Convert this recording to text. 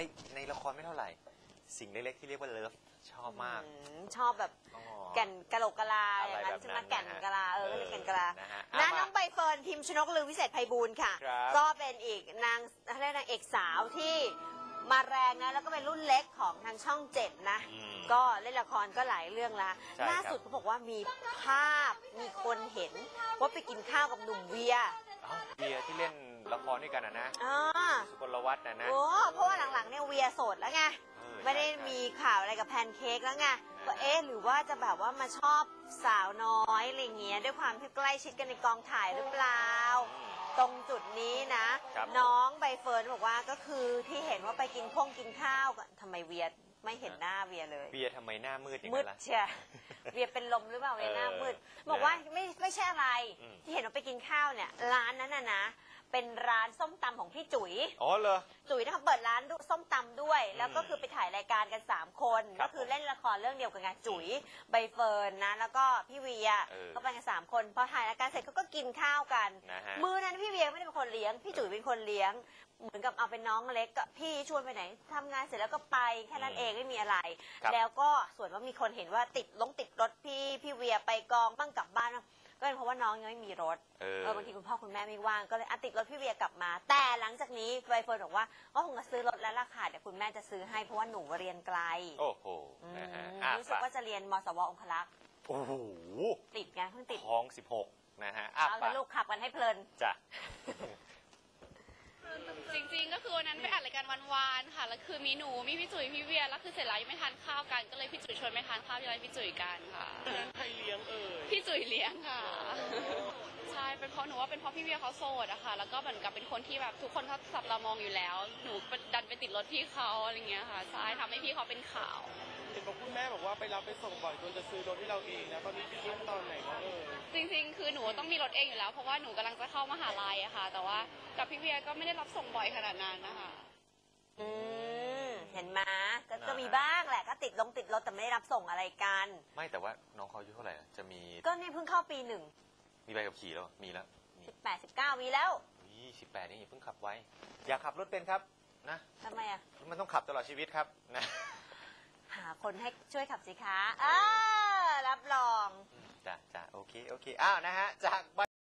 ในละครไม่เท่าไหร่สิ่งเล็กๆที่เรียกว่าเลิฟชอบมากชอบแบบแก่นกะโหลกกะลาอย่างนั้นใช่ไหมแก่นกะลาก็เรียกแก่นกะลาน้องใบเฟิร์นพิมพ์ชนกลือวิเศษไพบูลย์ค่ะก็เป็นอีกนางเอกสาวที่มาแรงนะแล้วก็เป็นรุ่นเล็กของทางช่อง7นะก็เล่นละครก็หลายเรื่องละล่าสุดเขาบอกว่ามีภาพมีคนเห็นว่าไปกินข้าวกับหนุ่มเวียที่เล่นละครด้วยกันนะสุกลวัฒน์นะเพราะว่าหลังๆเนี่ยเวียโสดแล้วไงไม่ได้มีข่าวอะไรกับแพนเค้กแล้วไงก็หรือว่าจะแบบว่ามาชอบสาวน้อยอะไรเงี้ยด้วยความที่ใกล้ชิดกันในกองถ่ายหรือเปล่าตรงจุดนี้นะน้องใบเฟิร์นบอกว่าก็คือที่เห็นว่าไปกินข้าวกันทำไมเวียไม่เห็นหน้าเวียเลยเวียทำไมหน้ามืดอย่างนั้นล่ะมืดเชียเวียเป็นลมหรือเปล่าเวียหน้ามืดบอกว่าไม่ใช่อะไรที่เห็นว่าไปกินข้าวเนี่ยร้านนั้นนะเป็นร้านส้มตำของพี่จุ๋ยอ๋อเหรอจุ๋ยนะคะเปิดร้านส้มตำด้วยแล้วก็คือไปถ่ายรายการกัน3คนก็คือเล่นละครเรื่องเดียวกันไงจุ๋ยใบเฟิร์นนะแล้วก็พี่เวียก็ไปกัน3คนพอถ่ายรายการเสร็จเขาก็กินข้าวกันมื้อนั้นพี่เวียไม่ได้เป็นคนเลี้ยงพี่จุ๋ยเป็นคนเลี้ยงเหมือนกับเอาเป็นน้องเล็กก็พี่ชวนไปไหนทำงานเสร็จแล้วก็ไปแค่นั้นเองไม่มีอะไรแล้วก็ส่วนว่ามีคนเห็นว่าติดรถพี่เวียไปกองบ้างกลับบ้านก็เป็นเพราะว่าน้องยังไม่มีรถบางทีคุณพ่อคุณแม่ไม่ว่างก็เลยติดรถพี่เวียกลับมาแต่หลังจากนี้ใบเฟิร์นบอกว่าก็คงจะซื้อรถแล้วล่ะค่ะเดี๋ยวคุณแม่จะซื้อให้เพราะว่าหนูเรียนไกลโอ้โหรู้สึกว่าจะเรียนมสวองคลักษ์โอ้โหติดไงเพิ่งติดท้อง16นะฮะเอาแต่ลูกขับกันให้เพลินจ้ะจริงๆก็คือวันนั้นไปอัดรายการวานๆค่ะแล้วคือมีหนูมีพี่จุ๋ยพี่เวียแล้วคือเสร็จแล้วยังไม่ทานข้าวกันก็เลยพี่จุ๋ยชวนไปทานข้าวที่ร้านพี่จุ๋ยกันค่ะใครเลี้ยงพี่จุ๋ยเลี้ยงค่ะใช่เป็นเพราะหนูว่าเป็นเพราะพี่เวียเขาโสดอะค่ะแล้วก็เหมือนกับเป็นคนที่แบบทุกคนเขาจับตามองอยู่แล้วหนูดันไปติดรถพี่เขาอะไรเงี้ยค่ะใช่ทำให้พี่เขาเป็นข่าวเห็นบอกคุณแม่บอกว่าไปรับไปส่งบ่อยจนจะซื้อรถที่เราเองนะตอนนี้ขั้นตอนไหนแล้วจริงๆคือหนูต้องมีรถเองอยู่แล้วเพราะว่าหนูกำลังจะเข้ามหาลัยอะค่ะแต่ว่ากับพี่เวียก็ไม่ได้รับส่งบ่อยขนาดนั้นนะคะเห็นไหมก็มีบ้างแหละก็ติดรถแต่ไม่ได้รับส่งอะไรกันไม่แต่ว่าน้องเขาอายุเท่าไหร่จะมีก็นี่เพิ่งเข้าปี1 มีใบขับขี่แล้วมีแล้ว 18 19มีแล้ว 18นี่เพิ่งขับไว้อยากขับรถเป็นครับนะทำไมอ่ะมันต้องขับตลอดชีวิตครับนะหาคนให้ช่วยขับสิคะรับรองจ้ะโอเคนะฮะจาก